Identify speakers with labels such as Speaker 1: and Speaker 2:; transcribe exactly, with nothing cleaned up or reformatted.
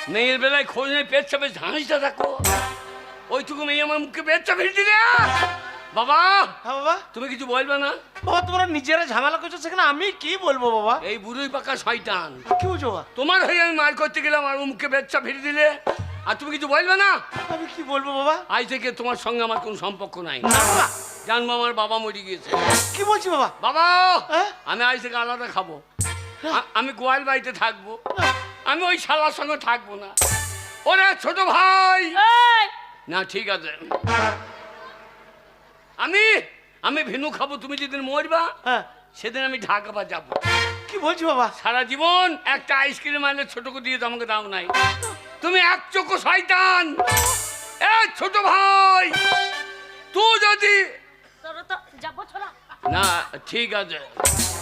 Speaker 1: মেয়ের বেলায় খোঁজ নেই, পেট চাপে ঝাঁসটা থাকো, ওইটুকু মেয়ে আমার মুখে পেট চাপে দিলে। বাবা
Speaker 2: হ্যাঁ বাবা,
Speaker 1: তুমি কিছু বলবে না?
Speaker 2: বাবা তোমরা নিজেরা ঝামেলা করছো, সেখানে আমি কি বলবো বাবা?
Speaker 1: এই বুড়োই পাকা শয়তান,
Speaker 2: কি বলছো বাবা?
Speaker 1: তোমার হয়ে আমি মার করতে গেলাম আর মুখে বেচ্চা ফিরে দিলে, আর তুমি কিছু বলবে না?
Speaker 2: আমি কি বলবো বাবা?
Speaker 1: আজ থেকে তোমার সঙ্গে আমার কোনো সম্পর্ক নাই। জানবো আমার বাবা মরে গিয়েছে।
Speaker 2: কি বলছি বাবা?
Speaker 1: বাবা
Speaker 2: হ্যাঁ?
Speaker 1: আমি আজ থেকে আলাদা খাবো, আ- আমি গোয়াল বাড়িতে থাকবো, আমি ওই শালার সঙ্গে থাকবো না। ওরে ছোট ভাই, না ঠিক আছে, আমি আমি ভেনু খাবো, তুমি যেদিন মরবা
Speaker 2: হ্যাঁ।
Speaker 1: সেদিন আমি ঢাকা বা যাবো।
Speaker 2: কি বলছি বাবা?
Speaker 1: সারা জীবন একটা আইসক্রিম আনলে ছোটকে দিয়ে তো আমাকে দাও নাই, তুমি এক চোখো শয়তান। এ ছোট ভাই, তুই যদি
Speaker 3: তোর তো যাবো ছোড়া।
Speaker 1: না ঠিক আছে